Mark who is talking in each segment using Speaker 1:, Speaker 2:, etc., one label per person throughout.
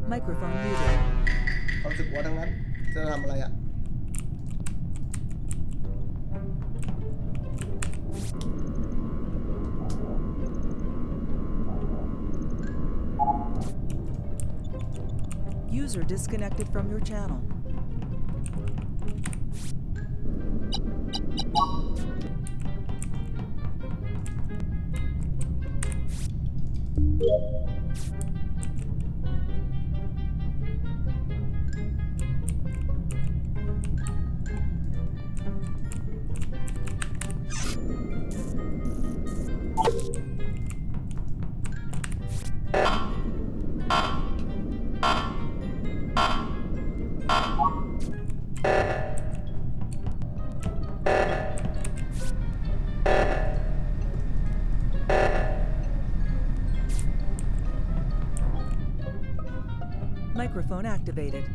Speaker 1: Microphone muted.
Speaker 2: ความรู้สึกว่าทั้งนั้นจะทำอะไรอ่ะ
Speaker 1: User disconnected from your channel. Microphone activated.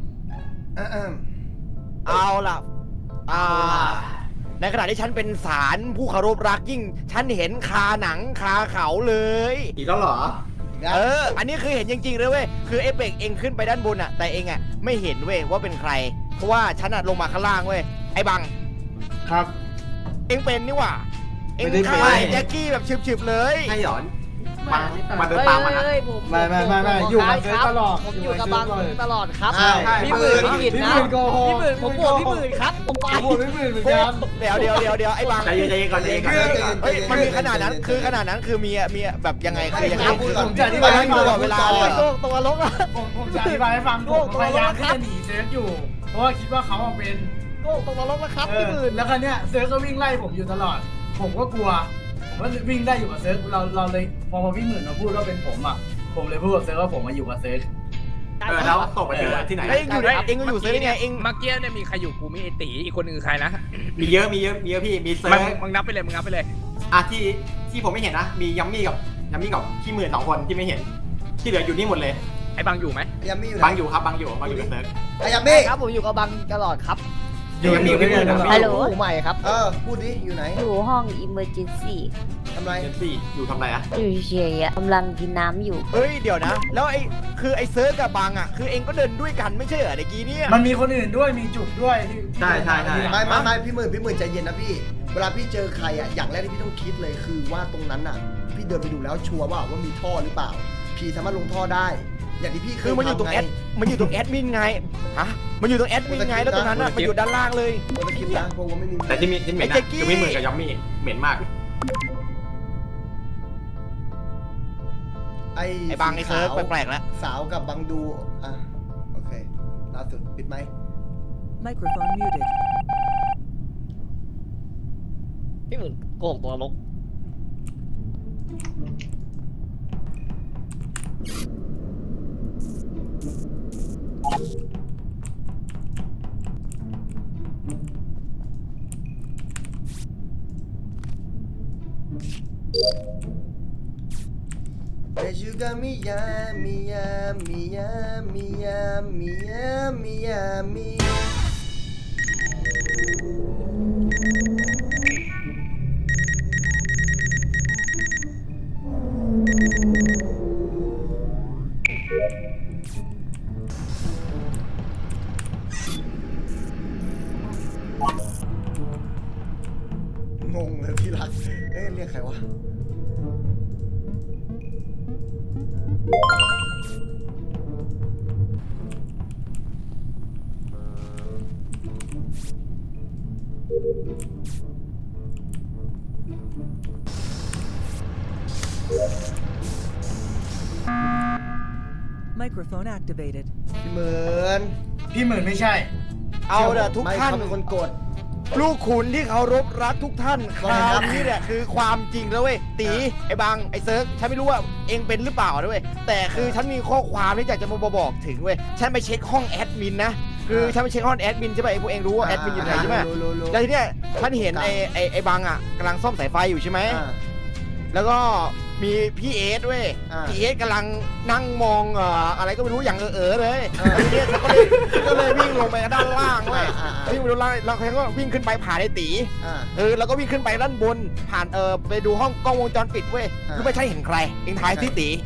Speaker 3: เอาล่ะในขณะที่ฉันเป็นศาลผู้เคารพรักยิ่งฉันเห็นคาหนังคาเขาเลย
Speaker 4: อีกแล้วเหรอ
Speaker 3: อันนี้คือเห็นจริงๆเลยเว้ยคือเอเปกเองขึ้นไปด้านบนอะแต่เองอะไม่เห็นเว้ยว่าเป็นใครเพราะว่าฉันอะลงมาข้างล่างเว้ยไอ้บัง
Speaker 4: ครับ
Speaker 3: เองเป็นนี่หว่าเอง
Speaker 4: ไม่ได้เป็น
Speaker 3: ฆ่าไอ้แจ็คกี้แบบฉึบๆเลย
Speaker 4: ให้หยอนมาเดินตามมานะ
Speaker 5: ไม่อยู่กับเซิร์ฟตลอด
Speaker 6: ผมอยู่กับบังตลอดครับ
Speaker 2: ใช่
Speaker 6: พี่หมื่นพี่ผิดนะ
Speaker 5: พี่หมื่นโกหก
Speaker 6: พี่หมื่นผมบวกพี่หมื่นครับผมไป
Speaker 5: ผมพี่หมื่นเหมือนกัน
Speaker 3: เดี๋ยวไอ้บัง
Speaker 4: ใจเย็นๆก่อนใจเย็นๆก่อน
Speaker 3: เฮ้ยมันมีขนาดนั้นคือมีแบบยังไงคือยังไง
Speaker 5: ผมจะอธิบายให้ฟัง
Speaker 3: ตลอดเวลาเลย
Speaker 6: ตัวลกอะ
Speaker 5: ผมจะอธิบายให้ฟังผมพยายามที่จะหนีเซิร์ฟอยู่ เพราะว่าคิดว่าเขาเป็น
Speaker 6: โก้ตัวลกนะครับพี่หมื่น
Speaker 5: แล้วคราวเนี้ยเซิร์ฟก็วิ่งไล่ผมอยู่ตลอด ผมก็กลัว ผมก็วิ่งได้อยู่กับเซิร์ฟเราเลยพอพี่หมื่นมาพูดว่าเป็นผมอ่ะ ผมเลยพูดกับเซิร์ฟว่าผมมาอยู่กับเซิร์ฟ
Speaker 4: แล้วตกไปถึงที่ไหน
Speaker 3: เองอยู่เซิร์ฟยังไงเอง
Speaker 7: เมื่อกี้เนี่ยมีใครอยู่กูมีไอตีอีกคนหนึ่งคือใครนะ
Speaker 4: มีเยอะพี่มีเซิร์ฟ
Speaker 7: มึงนับไปเลยมึงนับไปเลย
Speaker 4: ที่ผมไม่เห็นนะมียัมมี่กับพี่หมื่น2 คนที่ไม่เห็นที่เหลืออยู่นี่หมดเลย
Speaker 7: ไอ้บังอยู่ไหม
Speaker 2: ยามี่อยู่
Speaker 4: บางอยู่ครับบางอยู่กับเซิร์ฟ
Speaker 2: ยามี่
Speaker 6: ครับผมอยู่กับบังตลอดครับ
Speaker 4: อยู่พี่หมื่น
Speaker 8: ฮัลโหล
Speaker 6: ใหม่ครับ
Speaker 2: พูดดิอยู่ไหน
Speaker 8: อยู่ห้อง emergency
Speaker 2: ทำไร
Speaker 4: เจนซี่อยู่ทำอะไรอะ
Speaker 8: อยู่เฉยๆอะกำลังกินน้ำอยู่
Speaker 3: เฮ้ยเดี๋ยวนะแล้วไอ้เซิร์ฟกับบังอะคือเองก็เดินด้วยกันไม่ใช่เหรอเมื่อกี้เนี่ย
Speaker 5: มันมีคนอื่นด้วยมีจุกด้วยที่
Speaker 4: ใช่
Speaker 2: ไม่พี่หมื่นใจเย็นนะพี่เวลาพี่เจอใครอ่ะอย่างแรกที่พี่ต้องคิดเลยคือว่าตรงนั้นอ่ะพี่เดินไปดูแล้วชัวร์ว่ามีท่อหรือเปล่าพี่สามารถลงท่อได้ อย่างที่พี่เค
Speaker 3: คื
Speaker 2: ย
Speaker 3: อมันอยู่ตรง
Speaker 2: ทำ
Speaker 3: แอดมันอยู่ตรงแอดมินไงฮะมันอยู่ตรงแอดมินไงแล้วตรงนั้นอะมันอยู่ด้านล่างเลย
Speaker 2: เราจะคิดนะเพราะว่าไม่มี
Speaker 4: แต่ที่เหม็นนะคือพี่หมื่นกับยัมมี่เหม็นมาก
Speaker 3: ไอ้บังไอ้เซิร์ฟแปลกๆแล้ว
Speaker 2: สาวกับบังดูโอเคล่าสุดปิดไหม
Speaker 1: Microphone muted.
Speaker 6: พี่หมื่นโกหกตัวลก
Speaker 2: เดชูกามิยามิยามิยามิยามิยามิยามิ งงเลยพี่รักเรียกใครวะ
Speaker 1: Microphone activated.
Speaker 2: พี่หมื่น
Speaker 5: ไม่ใช่
Speaker 3: เอาเด้อทุกท่าน
Speaker 2: ไม่เขาเป็นคนกด
Speaker 3: ลูกขุนที่เคารพรักทุกท่านคราวนี้เนี่ยคือความจริงแล้วเว้ยตีไอ้บังไอ้เซิร์ฟฉันไม่รู้ว่าเองเป็นหรือเปล่านะเว้ยแต่คือฉันมีข้อความที่อยากจะมาบอกถึงเว้ยฉันไปเช็คห้องแอดมินนะคือฉันไปเช็คห้องแอดมินใช่ไหมไอ้พวกเองรู้ว่าแอดมินอยู่ไหนใช่ไหม
Speaker 2: รู้
Speaker 3: แล้วทีเนี้ยฉันเห็นไอ้บังอ่ะกำลังซ่อมสายไฟอยู่ใช่ไหมแล้วก็มีพี่เอสเว้ยพี่เอสกำลังนั่งมองอะไรก็ไม่รู้อย่างเลยทีเนี้ยฉันก็เลยวิ่งลงไปด้านล่างเว้ยวิ่งไปด้านล่างแล้วเขาก็วิ่งขึ้นไปผ่านไอ้ตีแล้วก็วิ่งขึ้นไปด้านบนผ่านไปดูห้องกล้องวงจรปิดเว้ยคือไม่ใช่เห็นใครเองทายสิตีเ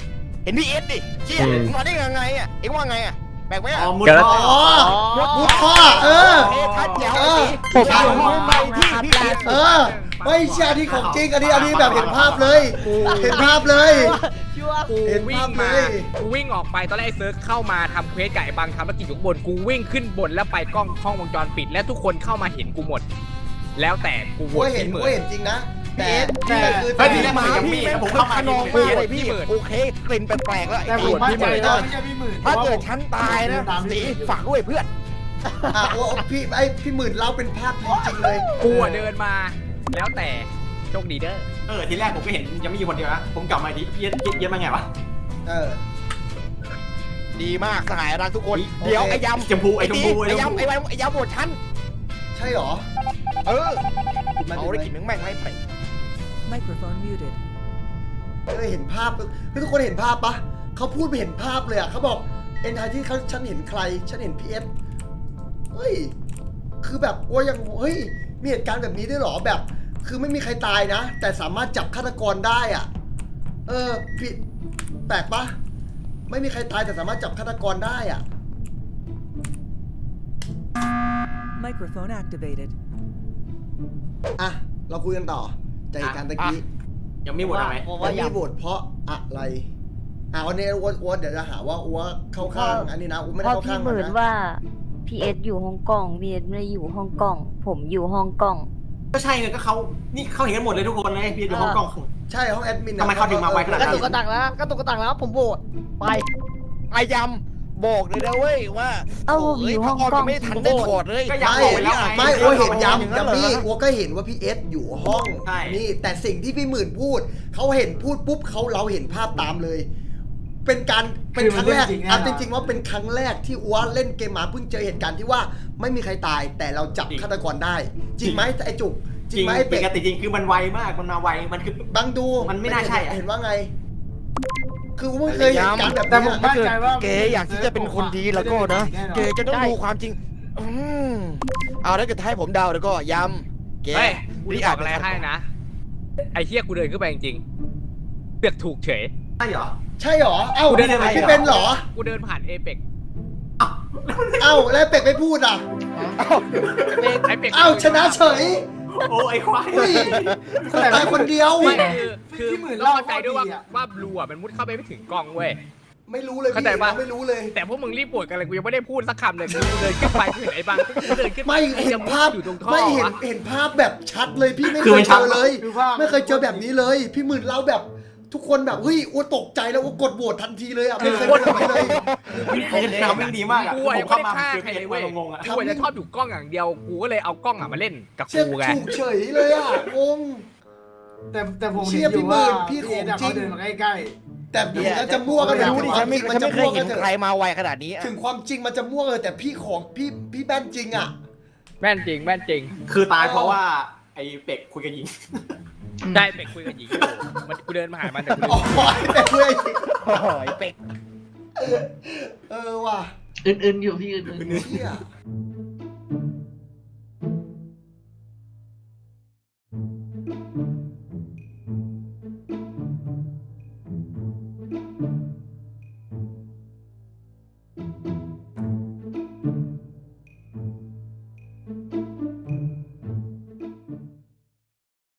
Speaker 3: ห็นพี่เอสดิเชี่ยมึงมาได้ยังไงอ่ะเอ็งว่าไงอ่ะแปลกไหมอ่ะ
Speaker 4: อ๋อมุด
Speaker 7: เกิด
Speaker 4: ท่อ
Speaker 2: อ๋อมุดท่อเออ
Speaker 3: ทัดเจ๋ว
Speaker 2: เออ
Speaker 3: ผมเอาไปที่พี่เอส
Speaker 2: เออไม่ใช่อันนี้ของจริงอันนี้แบบเห็นภาพเลย เห็นภาพเลย
Speaker 6: ชัวร์
Speaker 7: กู
Speaker 2: เห็น
Speaker 7: วิ่
Speaker 2: ภาง พ
Speaker 7: มา
Speaker 2: เลย
Speaker 7: กูวิ่งออกไปตอนแรกไอ้เซิร์ฟเข้ามาทำเควสไก่บางทำธุรกิจอยู่ข้างบนกูวิ่งขึ้นบนแล้วไปกล้องห้องวงจรปิด และทุกคนเข้ามาเห็นกูหมด แล้วแต่กูโหว
Speaker 2: กู
Speaker 7: ต
Speaker 2: เห็น
Speaker 7: พี่เหมื
Speaker 2: กู
Speaker 7: อน
Speaker 2: เห็นจริงนะ แต่
Speaker 3: แต่
Speaker 2: คือ
Speaker 4: เฮ้ยทีแรกมันยังมี
Speaker 3: พี่
Speaker 4: ผมเข้ามา
Speaker 3: ขนอง
Speaker 4: พี่
Speaker 3: มาก
Speaker 4: เอส
Speaker 3: เลยพี่โอเคกลิ่นแปลกๆแล้ว
Speaker 5: แต่ผมมั่นใจว่าไม่ใช่พี่หมื่น
Speaker 3: ถ้าเกิดฉันตายนะสีฝากด้วยเพื่อน
Speaker 2: อ่ะโอ้พี่หมื่นเล่าเป็นภาพจริงๆเลย
Speaker 7: กูอะเดินมา แล้วแต่โชคดีเด้อ
Speaker 4: ทีแรกผมก็เห็นยังมีอยู่คนเดียวนะผมกลับมาทีพี่เอสมาไงวะ
Speaker 2: เออ
Speaker 3: ดีมากสหายรักทุกคน
Speaker 2: โอเค
Speaker 3: เดี๋ยวไอ้ยำ
Speaker 4: ชมพูไอ้ชมพู
Speaker 3: ไอ้ยำไอ้ยำโหวตฉัน
Speaker 2: ใช่เหรอ
Speaker 3: เออ
Speaker 2: มา
Speaker 3: เอา
Speaker 2: ดู
Speaker 3: ได้
Speaker 2: ไหม
Speaker 3: กลิ่นแม่งไม่ไป
Speaker 1: Microphone muted.
Speaker 2: เห็นภาพทุกคนเห็นภาพปะเขาพูดไปเห็นภาพเลยอ่ะเขาบอกเอ็นไทที่เขาฉันเห็นใครฉันเห็นพีเอสเฮ้ยคือแบบโอ้ยังเฮ้ยมีเหตุการณ์แบบนี้ด้วยเหรอแบบ คือไม่มีใครตายนะ แต่สามารถจับฆาตกรได้อ่ะผิดแปลกปะไม่มีใครตายแต่สามารถจับฆาตกรได้อ่ะ
Speaker 1: Microphone activated.
Speaker 2: อ่ะเราคุยกันต่อจากเหตุการณ์ตะกี้
Speaker 4: ยังมีโหวตอะไร
Speaker 6: ผม
Speaker 2: วั
Speaker 6: ว่าน
Speaker 2: นี้
Speaker 6: ยำ
Speaker 2: โหวตเพราะอะไรวันนี้อ้วนเดี๋ยวจะหาว่าอ้วเข้าข้างอันนี้นะอ้วไม่
Speaker 8: เพ
Speaker 2: ได้
Speaker 8: ราะ
Speaker 2: เข้า
Speaker 8: พี่
Speaker 2: ข้าง
Speaker 8: ห
Speaker 2: มัน
Speaker 8: มื่น
Speaker 2: นะ
Speaker 8: ว่าพีเอสอยู่ฮ่องกงพีเอสไม่ได้อยู่ฮ่องกงผมอยู่ฮ่องกง
Speaker 4: ก็ใช่ไงก็เขานี่เขาเห็นกันหมดเลยทุกคนเลยพี่อยู่ห้องกล้อง
Speaker 2: ใช่ห้องแอดมิน
Speaker 4: ทำไมเขาถึงมาไวขนาด
Speaker 6: กระตุกกระตักแล้วกระตุกกระตักแล้วผมโหวตไป
Speaker 3: ไอ้ยำบอกเลยนะเว้ยว่า
Speaker 8: เอ้าผมอยู่ฮ่องกง
Speaker 3: ไม่ทันได้ถอดเลย
Speaker 4: ก็อยาก
Speaker 2: ไม่
Speaker 4: บอกไปแล้วไง
Speaker 2: ไม่อ้วเห็น
Speaker 3: อย่าง
Speaker 2: ย้ำ
Speaker 3: นั้นเหรอ
Speaker 2: พี่อ้วก็เห็นว่าพี่เอสอยู่ห้อง
Speaker 4: ใช่
Speaker 2: นี่แต่สิ่งที่พี่หมื่นพูดเขาเห็นพูดปุ๊บเราเห็นภาพตามเลย เป็นครั้งแรกเอาจริงๆว่าเป็นครั้งแรกที่อ้วเล่นเกมมาเพิ่งเจอเหตุการณ์ที่ว่าไม่มีใครตายแต่เราจับฆาตกรได้ จริงไหมไอ้จุกจริงไหมไอ้
Speaker 4: ป
Speaker 2: เป็ด
Speaker 4: กติจริงคือมันไวมากมันมาไวมันคือ
Speaker 2: บังดู
Speaker 4: มันไม่น่าใช่อะ
Speaker 2: เห็นว่าไง คือไม่เคยเห็นการแบบ
Speaker 5: แต่
Speaker 2: นี้
Speaker 5: ผมมั่นใจว่า
Speaker 3: เก๋อยากที่จะเป็นคนดีแล้วก็นะเก๋จะต้องดูความจริงเอาแล้วเกิดให้ผมเดาแล้วก็ย้ำเก๋
Speaker 7: เฮ้ยกูจะบอกอะไรให้นะ ไอ้เฮียกูเดินขึ้นไปจริงๆเลือกถูกเฉย
Speaker 4: ใช่เหรอ
Speaker 2: ใช่เหรอเอ้า
Speaker 4: กูได้เลยไหม
Speaker 2: พี่เป็นเหรอ
Speaker 7: กูเดินผ่านเอเปก
Speaker 2: เอ้าแล้วเป็ดไม่พูดอ่ะ
Speaker 7: ไอเปก
Speaker 2: เอ้าชนะเฉย
Speaker 4: โอ้ไอ้ควาย
Speaker 2: อุ้ยคนตายคนเดียว
Speaker 7: ไม่คือ
Speaker 5: พี่หมื่น
Speaker 7: ต้องเข้าใจด้วย
Speaker 5: เล่าข้อดีอะ
Speaker 7: ว่าบลูอ่ะมันมุดเข้าไปไม่ถึงกล้องเว้ย
Speaker 2: ไม่รู้เลย
Speaker 7: เข้า
Speaker 2: พี่
Speaker 7: ใจปะ
Speaker 2: ไม่รู้เลย
Speaker 7: แต่พวกมึงรีบปวดกันเลยกูยังไม่ได้พูดสักคำเลยกูเดินขึ้นไปกูเห็นไอ้บางกูเดินขึ้นไป
Speaker 2: ไม่เห็นภาพ
Speaker 7: อยู่ตรงท่อ
Speaker 2: ไม่เห็น
Speaker 7: วะ
Speaker 2: เห็นภาพแบบชัดเลยพี่ไม่
Speaker 4: คื
Speaker 2: เค
Speaker 4: อมั
Speaker 2: ย
Speaker 4: น
Speaker 2: เจ
Speaker 4: ชัด
Speaker 2: อเลย
Speaker 5: คือภาพ
Speaker 2: ไม่เคยเจอแบบนี้เลย พี่หมื่นเราแบบทุกคนแบบเฮ้ยอ้วตกใจแล้วอ้วกดโหวตทันทีเลยอ่ะไม่เคยเป็นแบบนี้เลย
Speaker 4: ทำไม่ดีมากอ่ะ
Speaker 7: กู
Speaker 4: ผ
Speaker 7: อะยั
Speaker 4: ม
Speaker 7: ง
Speaker 4: เข้า
Speaker 7: ไม่ได้
Speaker 4: มา
Speaker 7: ฆ่า
Speaker 4: เจอ
Speaker 7: ใคร
Speaker 4: เพ
Speaker 7: เล
Speaker 4: จ
Speaker 7: ย
Speaker 4: ไว้
Speaker 7: เว้ย
Speaker 4: งงๆอ่ะ
Speaker 7: กูอะจะชอบอยู่กล้องอย่างเดียวกูก็เลยเอากล้องอะมาเล่นกับ
Speaker 2: เชี่ย
Speaker 7: กูไง
Speaker 2: ถูกเฉยเลยอ่ะงง
Speaker 5: แต่ผม
Speaker 2: เชี่
Speaker 5: เห็
Speaker 2: ย
Speaker 5: นอยู่ว่า
Speaker 2: พี่หมื่นพี่ของจริง
Speaker 5: เขาเดินมาใกล้
Speaker 2: แต่ถึงมันจะมั่วก็
Speaker 3: ไม่
Speaker 2: เถอะ
Speaker 3: รู้
Speaker 2: ถึ
Speaker 3: ดิ
Speaker 2: งค
Speaker 3: ฉั
Speaker 2: วาน มจ
Speaker 3: ไม่
Speaker 2: ริงมัน
Speaker 3: ฉัน
Speaker 2: จะ
Speaker 3: ไม่เคย
Speaker 2: มั่ว
Speaker 3: เห็
Speaker 2: ก็
Speaker 3: น
Speaker 2: เถ
Speaker 3: ใคร
Speaker 2: อะ
Speaker 3: มาไวขนาดนี้
Speaker 2: ถึงความจริงมันจะมั่วเลยแต่พี่ของพี่แบนจริงอ่ะ
Speaker 7: แม่นจริงแม่นจริง
Speaker 4: คือตายเพราะว่าไอ้เป็กคุยกับหญิง
Speaker 7: ได้เป็กคุยกับหญิงอยู่มันกูเดินมาหามันแต่กู
Speaker 2: อ๋อแต่เพื่อน
Speaker 3: โอ้ยเป็ก
Speaker 2: ว่ะ
Speaker 5: อื่นๆอยู่พี่อื่น
Speaker 2: เชี่ย